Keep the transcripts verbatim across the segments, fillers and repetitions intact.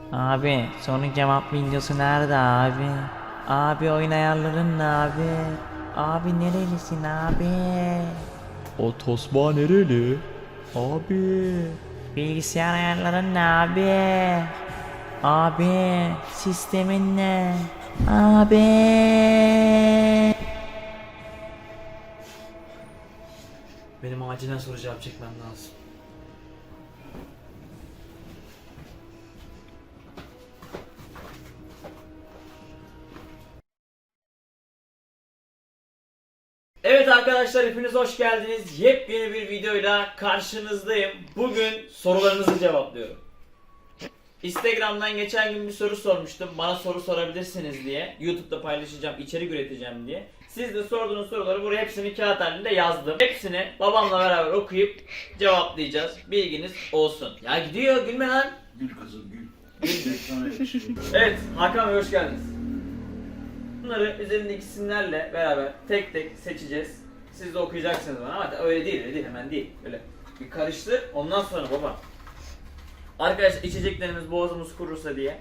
Abi soru cevap videosu nerede abi? Abi oyun ayarların ne abi? Abi nerelisin abi? O tosba nereli? Abi. Bilgisayar ayarların ne abi? Abi sistemin ne? Abi. Benim acilen soru cevap çekmem lazım. Evet arkadaşlar, hepiniz hoş geldiniz. Yepyeni bir videoyla karşınızdayım. Bugün sorularınızı cevaplıyorum. Instagram'dan geçen gün bir soru sormuştum. Bana soru sorabilirsiniz diye. YouTube'da paylaşacağım, içerik üreteceğim diye. Siz de sorduğunuz soruları buraya hepsini kağıt halinde yazdım. Hepsini babamla beraber okuyup cevaplayacağız. Bilginiz olsun. Ya gidiyor, gülme lan. Gül kızım gül. Gül ekrana yakışıyor. Evet, Hakan Bey hoş geldiniz. Bunları üzerindeki isimlerle beraber tek tek seçeceğiz. Siz de okuyacaksınız bana ama öyle değil, öyle değil, hemen değil. Öyle bir karıştır, ondan sonra baba. Arkadaşlar, içeceklerimiz boğazımız kurursa diye.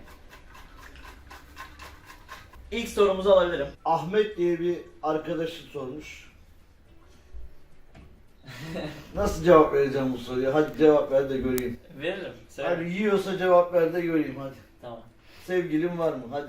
İlk sorumuzu alabilirim. Ahmet diye bir arkadaşı sormuş. Nasıl cevap vereceğim bu soruya? Hadi cevap ver de göreyim. Veririm. Söyle. Hadi yiyorsa cevap ver de göreyim hadi. Tamam. Sevgilin var mı? Hadi.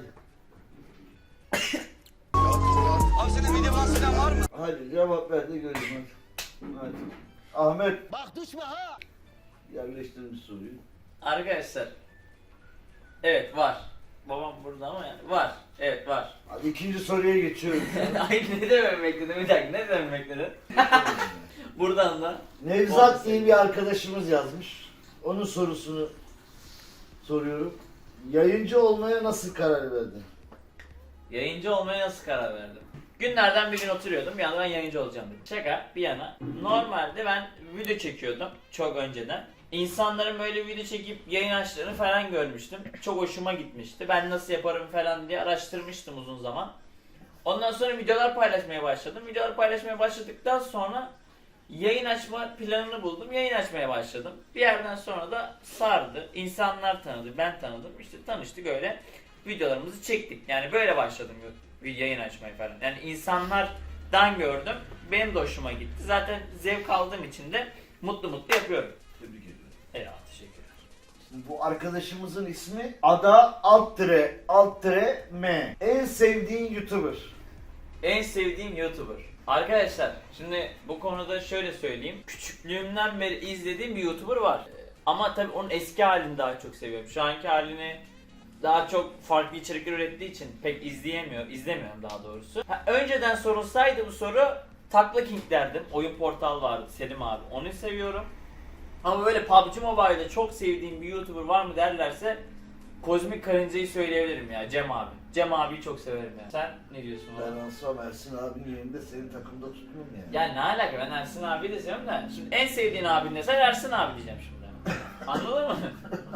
Abi senin mide bahseden var mı? Hadi cevap ver de göreyim hadi. Hadi. Ahmet. Bak düşme ha. Yerleştirmiş soruyu. Arkadaşlar. Evet, var. Babam burada ama yani var. Evet, var. Hadi ikinci soruya geçiyorum. Ay, ne demem bekledin? Bir dakika, ne demem bekledin? Buradan da. Nevzat diye bir arkadaşımız yazmış. Onun sorusunu soruyorum. Yayıncı olmaya nasıl karar verdin? Yayıncı olmaya nasıl karar verdim? Günlerden bir gün oturuyordum, bir anda ben yayıncı olacağım dedim. Şaka bir yana. Normalde ben video çekiyordum çok önceden. İnsanların böyle video çekip yayın açtığını falan görmüştüm. Çok hoşuma gitmişti. Ben nasıl yaparım falan diye araştırmıştım uzun zaman. Ondan sonra videolar paylaşmaya başladım. Videolar paylaşmaya başladıktan sonra yayın açma planını buldum. Yayın açmaya başladım. Bir yerden sonra da sardı. İnsanlar tanıdı, ben tanıdım. İşte tanıştık öyle. Videolarımızı çektik. Yani böyle başladım bir yayın açmayı falan. Yani insanlardan gördüm. Benim de hoşuma gitti. Zaten zevk aldığım için de mutlu mutlu yapıyorum. Tebrik ediyorum. Eyvallah, teşekkürler. Şimdi bu arkadaşımızın ismi Ada alt tire alt tire M. En sevdiğin YouTuber. En sevdiğim YouTuber. Arkadaşlar, şimdi bu konuda şöyle söyleyeyim. Küçüklüğümden beri izlediğim bir YouTuber var. Ama tabii onun eski halini daha çok seviyorum. Şu anki halini daha çok farklı içerikler ürettiği için pek izleyemiyor, izlemiyorum daha doğrusu. Ha, önceden sorulsaydı bu soru Takla King derdim. Oyun portal vardı, Selim abi. Onu seviyorum. Ama böyle P U B G Mobile'de çok sevdiğim bir YouTuber var mı derlerse Kozmik Karınca'yı söyleyebilirim ya, Cem abi. Cem abiyi çok severim ya. Sen ne diyorsun Ben oğlum? olsam Ersin abinin yerinde senin takımda tutmam yani. Ya ne alaka, ben Ersin abiyi de seviyorum da şimdi en sevdiğin abin desen Ersin abi diyeceğim şimdi. Anladın mı?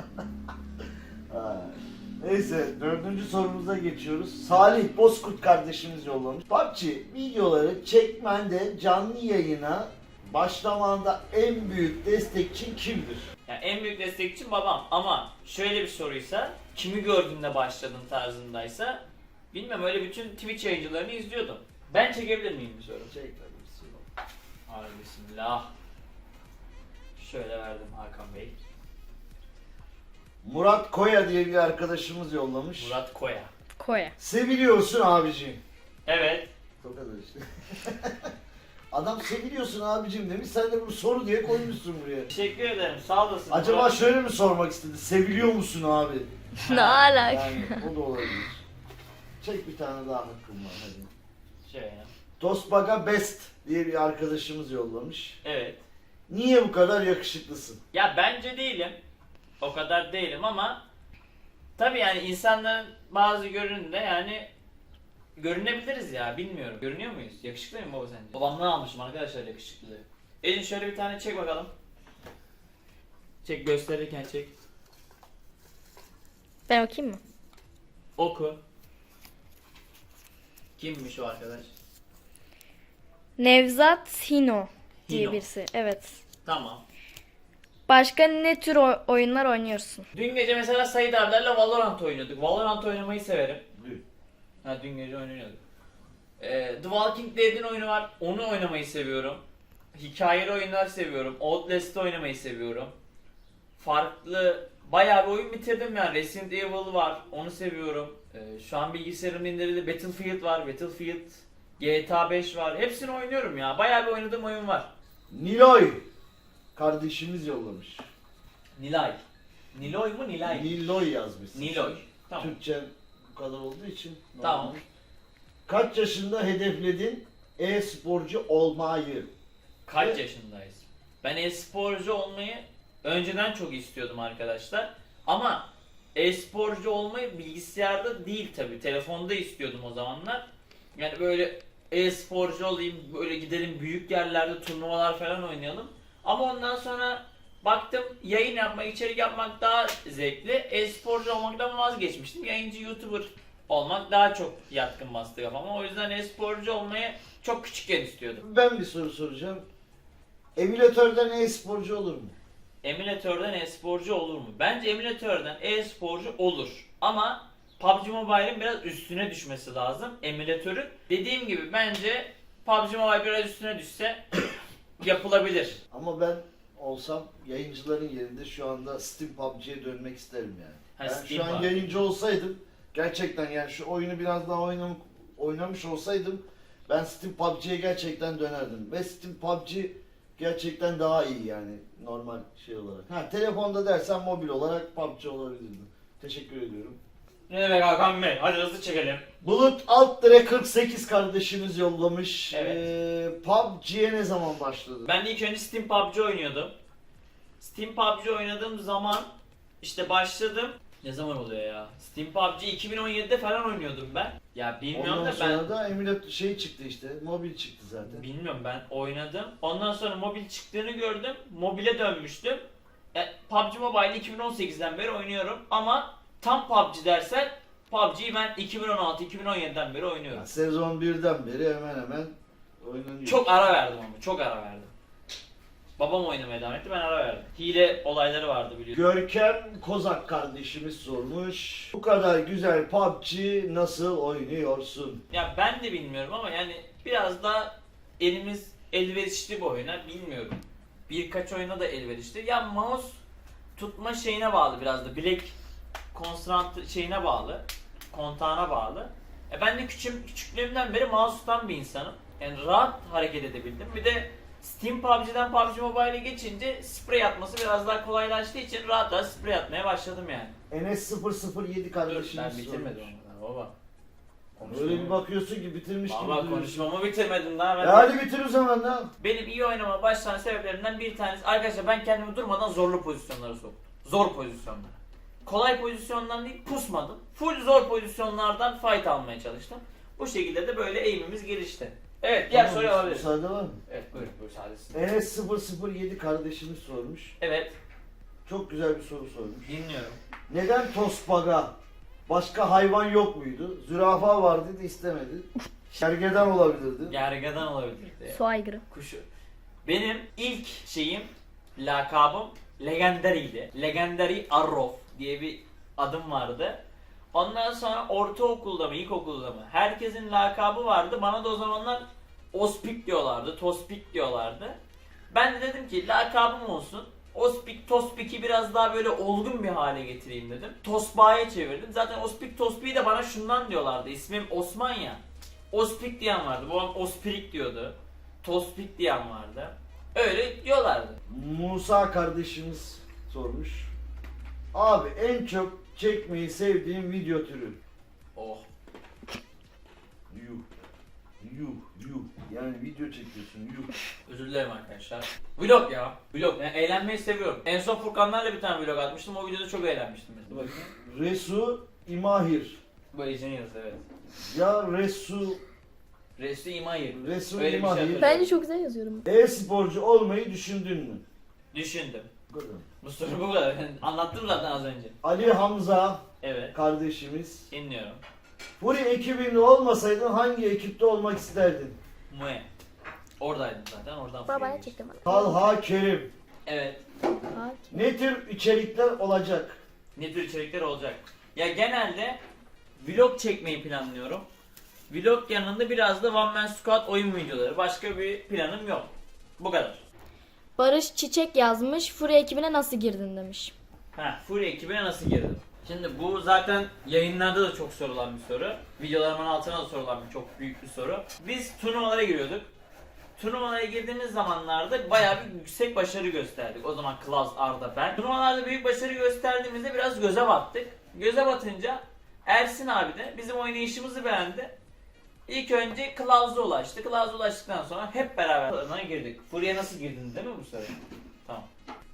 Ha. Neyse dördüncü sorumuza geçiyoruz. Salih Bozkurt kardeşimiz yollamış. P U B G videoları çekmende canlı yayına başlamanda en büyük destekçin kimdir? Yani en büyük destekçim babam, ama şöyle bir soruysa, kimi gördüğünde başladın tarzındaysa bilmem, öyle bütün Twitch yayıncılarını izliyordum. Ben çekebilir miyim bir soru? Çek tabii bir soru. Hadi bismillah. Şöyle verdim Hakan Bey. Murat Koya diye bir arkadaşımız yollamış. Murat Koya. Koya. Seviliyorsun abiciğim. Evet. O kadar işte. Adam seviliyorsun abicim demiş. Sen de bunu soru diye koymuşsun buraya. Teşekkür ederim, sağ olasın. Acaba Murat. şöyle mi sormak istedi? Seviliyor musun abi? Ne alaka? Yani o da olabilir. Çek bir tane daha hakkım var hadi. Şöyle. Dostbaga Best diye bir arkadaşımız yollamış. Evet. Niye bu kadar yakışıklısın? Ya bence değilim. O kadar değilim ama tabii yani insanların bazı görünümde yani görünebiliriz ya, bilmiyorum. Görünüyor muyuz? Yakışıklı mıyım baba sence? Babamdan almışım arkadaşlar yakışıklılığı. Elin şöyle bir tane çek bakalım. Çek, gösterirken çek. Ben okuyayım mı? Oku. Kimmiş o arkadaş? Nevzat Hino diye Hino. birisi. Evet. Tamam. Başka ne tür o- oyunlar oynuyorsun? Dün gece mesela Said abilerle Valorant oynuyorduk. Valorant oynamayı severim. Dün. Ha dün gece oynuyorduk. Ee, The Walking Dead'in oyunu var. Onu oynamayı seviyorum. Hikayeli oyunlar seviyorum. Outlast'ı oynamayı seviyorum. Farklı bayağı bir oyun bitirdim yani. Resident Evil var. Onu seviyorum. Ee, şu an bilgisayarımda indirildi. Battlefield var. Battlefield, G T A beş var. Hepsini oynuyorum ya. Bayağı bir oynadığım oyun var. Niloy kardeşimiz yollamış. Nilay. Niloy mu Nilay? Niloy yazmış. Niloy. Tamam. Türkçe bu kadar olduğu için. Tamam. normal. Kaç yaşında hedefledin e-sporcu olmayı? Kaç Evet. yaşındayız? Ben e-sporcu olmayı önceden çok istiyordum arkadaşlar. Ama e-sporcu olmayı bilgisayarda değil tabi. Telefonda istiyordum o zamanlar. Yani böyle e-sporcu olayım, böyle gidelim büyük yerlerde turnuvalar falan oynayalım. Ama ondan sonra baktım yayın yapmak, içerik yapmak daha zevkli. E-sporcu olmaktan vazgeçmiştim. Yayıncı, YouTuber olmak daha çok yatkın bastı kafama. O yüzden e-sporcu olmayı çok küçükken istiyordum. Ben bir soru soracağım. Emülatörden e-sporcu olur mu? Emülatörden e-sporcu olur mu? Bence emülatörden e-sporcu olur. Ama P U B G Mobile'in biraz üstüne düşmesi lazım. Emülatörün. Dediğim gibi bence P U B G Mobile biraz üstüne düşse yapılabilir. Ama ben olsam yayıncıların yerinde şu anda Steam P U B G'ye dönmek isterim yani. Ha, Ben Steam şu an P U B G. yayıncı olsaydım gerçekten yani şu oyunu biraz daha oynam oynamış olsaydım ben Steam P U B G'ye gerçekten dönerdim. Ve Steam P U B G gerçekten daha iyi yani normal şey olarak. Ha telefonda dersen mobil olarak P U B G olabilirdi. Teşekkür ediyorum. Ne demek Hakan Bey? Hadi hızlı çekelim. Bulut alt dire kırk sekiz kardeşimiz yollamış. Evet. Ee, P U B G'ye ne zaman başladı? Ben ilk önce Steam P U B G oynuyordum. Steam P U B G oynadığım zaman işte başladım. Ne zaman oluyor ya? Steam P U B G iki bin on yedide falan oynuyordum ben. Ya bilmiyorum Ondan da ben... sonra da emülatör şey çıktı işte. Mobil çıktı zaten. Bilmiyorum ben oynadım. Ondan sonra mobil çıktığını gördüm. Mobile dönmüştüm. E, P U B G Mobile iki bin on sekizden beri oynuyorum ama tam P U B G dersen P U B G'yi ben iki bin on altı iki bin on yediden beri oynuyorum. Yani sezon birden beri hemen hemen oynanıyor. Çok ara verdim ama çok ara verdim. Babam oynamaya devam etti, ben ara verdim. Hile olayları vardı biliyorsun. Görkem Kozak kardeşimiz sormuş. Bu kadar güzel P U B G nasıl oynuyorsun? Ya ben de bilmiyorum ama yani biraz da elimiz elverişli bir oyuna bilmiyorum. Birkaç oyuna da elverişli. Ya mouse tutma şeyine bağlı biraz da. Bilek konsantre şeyine bağlı. Kontağına bağlı. E ben de küçüm, küçüklüğümden beri mouse tutan bir insanım. Yani rahat hareket edebildim. Bir de Steam P U B G'den P U B G Mobile'e geçince sprey atması biraz daha kolaylaştığı için rahat rahat sprey atmaya başladım yani. Enes sıfır sıfır yedi Dur kardeşimiz ben bitirmedim sormuş. onları baba. Öyle bir bakıyorsun ki bitirmiş gibi Baba duruyorsun. konuşmamı bitirmedim daha ben. E hadi bitir o zaman da. Benim iyi oynamama başlayan sebeplerinden bir tanesi arkadaşlar ben kendimi durmadan zorlu pozisyonlara soktum. Zor pozisyonlara. Kolay pozisyondan değil pusmadım. Full zor pozisyonlardan fight almaya çalıştım. Bu şekilde de böyle aim'imiz gelişti. Evet diğer Tamam, soruyu alabiliriz. Müsaade var mı? Evet buyurun buyur sadesin. Enes sıfır sıfır yedi kardeşimiz sormuş. Evet Çok güzel bir soru sormuş. dinliyorum. Neden Tosbaga? Başka hayvan yok muydu? Zürafa vardı da istemedi. Gergedan olabilirdi. Gergedan olabilirdi. Su aygırı. Kuşu. Benim ilk şeyim, lakabım Legendary'ydi. Legendary Arrow diye bir adım vardı. Ondan sonra ortaokulda mı, ilkokulda mı? Herkesin lakabı vardı. Bana da o zamanlar Ospik diyorlardı, Tospik diyorlardı. Ben de dedim ki lakabım olsun. Ospik, Tospik'i biraz daha böyle olgun bir hale getireyim dedim. Tosbağa'ya çevirdim. Zaten Ospik, Tospik'i de bana şundan diyorlardı. İsmim Osman ya. Ospik diyen vardı. Babam Ospirik diyordu. Tospik diyen vardı. Öyle diyorlardı. Musa kardeşimiz sormuş. Abi en çok çekmeyi sevdiğim video türü. Oh. Yuh. Yuh. Yuh. Yani video çekiyorsun. Yuh. Özür dilerim arkadaşlar. Vlog ya. Vlog. Yani eğlenmeyi seviyorum. En son Furkanlarla bir tane vlog atmıştım. O videoda çok eğlenmiştim. Dur bakayım. Resu İmahir. Bu Ejeniyoruz evet. Ya Resu Resul İmayir. Resul Öyle bir şey İmahir. hatırlıyorum. Bence çok güzel yazıyorum. E-sporcu olmayı düşündün mü? Düşündüm. Bu kadar. Bu soru bu kadar. Ben anlattım zaten az önce. Ali Hamza Evet. kardeşimiz. Dinliyorum. Furi ekibinde olmasaydın hangi ekipte olmak isterdin? Mue. Oradaydım zaten. Oradan Babaya Fury'ye çektim. Talha Kerim. Evet. Hakim. Ne tür içerikler olacak? Ne tür içerikler olacak? Ya genelde vlog çekmeyi planlıyorum. Vlog yanında biraz da One Man Squad oyun videoları. Başka bir planım yok. Bu kadar. Barış Çiçek yazmış. Fury ekibine nasıl girdin demiş. Ha, Fury ekibine nasıl girdim? Şimdi bu zaten yayınlarda da çok sorulan bir soru. Videolarımın altına da sorulan bir çok büyük bir soru. Biz turnuvalara giriyorduk. Turnuvalara girdiğimiz zamanlarda bayağı bir yüksek başarı gösterdik. O zaman Klaus, Arda, ben. Turnuvalarda büyük başarı gösterdiğimizde biraz göze battık. Göze batınca Ersin abi de bizim oynayışımızı beğendi. İlk önce Klaus'a ulaştı. Klaus'a ulaştıktan sonra hep beraber turnuvalara girdik. Fury'e nasıl girdin değil mi bu soru? Tamam.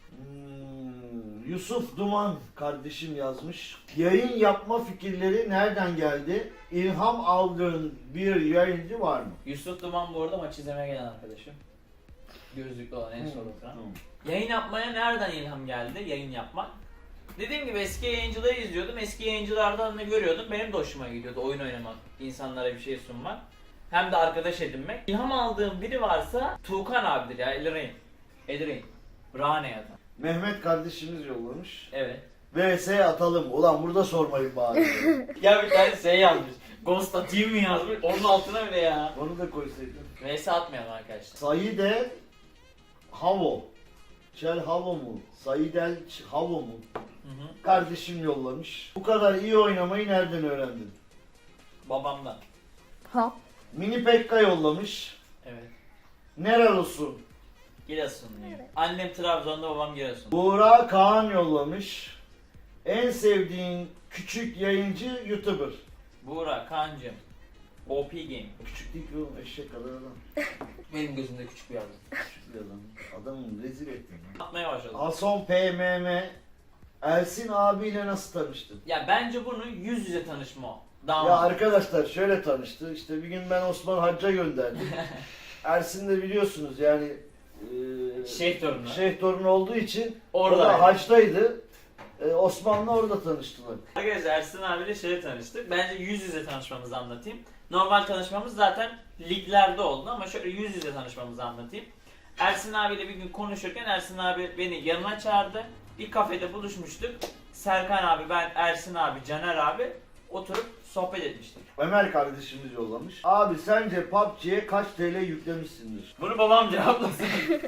Hmm, Yusuf Duman kardeşim yazmış. Yayın yapma fikirleri nereden geldi? İlham aldığın bir yayıncı var mı? Yusuf Duman bu arada maç izlemeye gelen arkadaşım. Gözlüklü olan en son oturan. Hmm. Yayın yapmaya nereden ilham geldi? Yayın yapmak. Dediğim gibi eski yayıncıları izliyordum. Eski yayıncılardan da görüyordum. Benim de hoşuma gidiyordu oyun oynamak, insanlara bir şey sunmak. Hem de arkadaş edinmek. İlham aldığım biri varsa Tuğkan abidir ya, Elrain. Elrain. Rane ya da. Mehmet kardeşimiz yollamış. Evet. V S atalım. Ulan burada sormayın bari. Ya bir tane şey yazmış. Ghost atayım mı yazmış? Onun altına bile ya. Onu da koysaydın. V S atmayalım arkadaşlar. Saide Havo. Çel Havo mu? Saidel Ç- Havo mu? Hı hı. Kardeşim yollamış. Bu kadar iyi oynamayı nereden öğrendin? Babamdan. Ha. Mini Pekka yollamış. Evet. Nerelisin? Giresunluyum. Annem Trabzon'da, babam Giresun. Buğra Kaan yollamış. En sevdiğin küçük yayıncı YouTuber. Buğra, Kaan'cım. O P Game. Küçük değil ki oğlum, eşek kadar adam. Benim gözümde küçük bir adam. Küçük bir adam. Adamı rezil ettin. Atmaya başladım. Hason P M M. Ersin abiyle nasıl tanıştın? Ya bence bunu yüz yüze tanışma o. Daha Ya mantıklı. arkadaşlar şöyle tanıştı. İşte bir gün ben Osman Hacca gönderdim. Ersin de biliyorsunuz yani e, Şeyh torunu. şeyh torunu olduğu için Orada. orada Haç'taydı. E, Osman'la orada tanıştılar. Arkadaşlar Ersin abiyle şöyle tanıştık. Bence yüz yüze tanışmamızı anlatayım. Normal tanışmamız zaten liglerde oldu ama şöyle yüz yüze tanışmamızı anlatayım. Ersin abiyle bir gün konuşurken Ersin abi beni yanına çağırdı. Bir kafede buluşmuştuk. Serkan abi, ben, Ersin abi, Caner abi oturup sohbet etmiştik. Ömer kardeşimiz yollamış. Abi sence P U B G'ye kaç T L yüklemişsindir? Bunu babam cevaplasın.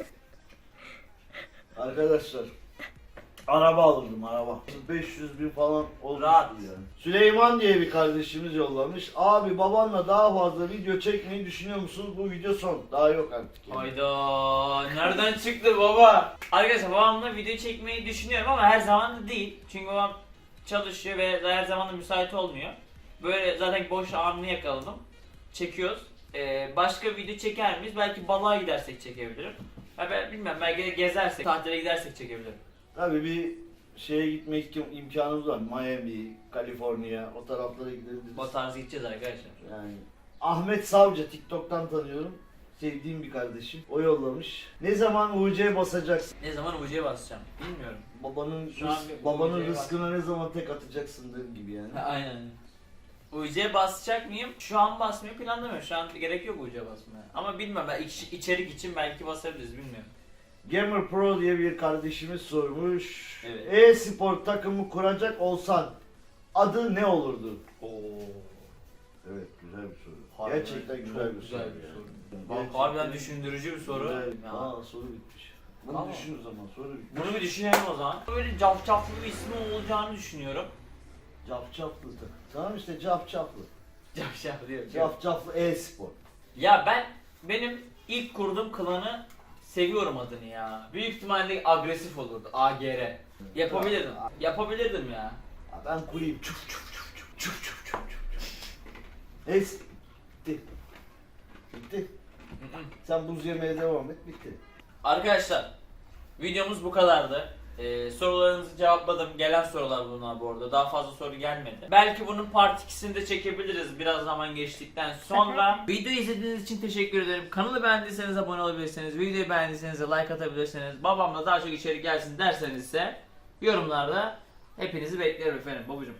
Arkadaşlar araba alırdım araba. beş yüz bin falan olmuştur Rahat. yani. Süleyman diye bir kardeşimiz yollamış. Abi babanla daha fazla video çekmeyi düşünüyor musunuz? Bu video son. Daha yok artık. Yani. Hayda, nereden çıktı baba? Arkadaşlar babamla video çekmeyi düşünüyorum ama her zaman da değil. Çünkü babam çalışıyor ve her zaman da müsait olmuyor. Böyle zaten boş anını yakaladım. Çekiyoruz. Ee, başka video çeker miyiz? Belki balığa gidersek çekebilirim. Ha ben bilmem, belki de gezersek, tatile gidersek çekebilirim. Tabii bir şeye gitmek im- imkanımız var. Miami, Kaliforniya o taraflara gidebiliriz. O tarz gideceğiz arkadaşlar. Yani Ahmet Savcı TikTok'tan tanıyorum. Sevdiğim bir kardeşim. O yollamış. Ne zaman U C basacaksın? Ne zaman U C'ye basacağım bilmiyorum. Babanın Şu an rız- bir babanın U C'ye bas- rızkına ne zaman tek atacaksın gibi yani. Aynen. U C basacak mıyım? Şu an basmayı planlamıyorum. Şu an gerek yok U C basmaya. Ama bilmem, ben iç- içerik için belki basabiliriz, bilmiyorum. Gamer Pro diye bir kardeşimiz sormuş. Evet. E-spor takımı kuracak olsan adı ne olurdu? Oo. Evet, güzel bir soru. Harbiden Gerçekten çok güzel bir güzel soru. bir yani. soru. Gerçekten Harbiden düşündürücü bir soru. güzel. Ya. Aa, soru bitmiş. Bunu Tamam. düşün o zaman, soru bitmiş. Bunu bir düşünelim o zaman. Böyle cafcaflı bir ismi olacağını düşünüyorum. Cafcaflı takım. Tamam işte cafcaflı. Cafcaflı diyor. Cafcaflı e-spor. Ya ben, benim ilk kurduğum klanı seviyorum adını ya. Büyük ihtimalle agresif olurdu. A G R. Yapabilirdim. Yapabilirdim ya. Ya ben kurayım. Çuf çuf çuf çuf çuf çuf çuf çuf. Es bitti. Bitti. Sen buz yemeye devam et, bitti. Arkadaşlar, videomuz bu kadardı. Ee, sorularınızı cevapladım. Gelen sorular bunlar bu arada. Daha fazla soru gelmedi. Belki bunun part ikisini de çekebiliriz biraz zaman geçtikten sonra. Videoyu izlediğiniz için teşekkür ederim. Kanalı beğendiyseniz abone olabilirsiniz. Videoyu beğendiyseniz de like atabilirsiniz. Babamla daha çok içerik gelsin derseniz ise yorumlarda hepinizi beklerim efendim babacım.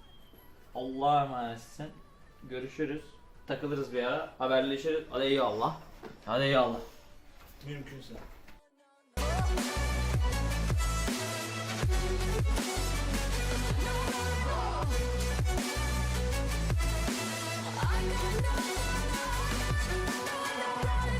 Allah'a emanetsin. Görüşürüz. Takılırız bir ara. Haberleşiriz. Hadi eyvallah. Hadi eyvallah. Mümkünse. ya.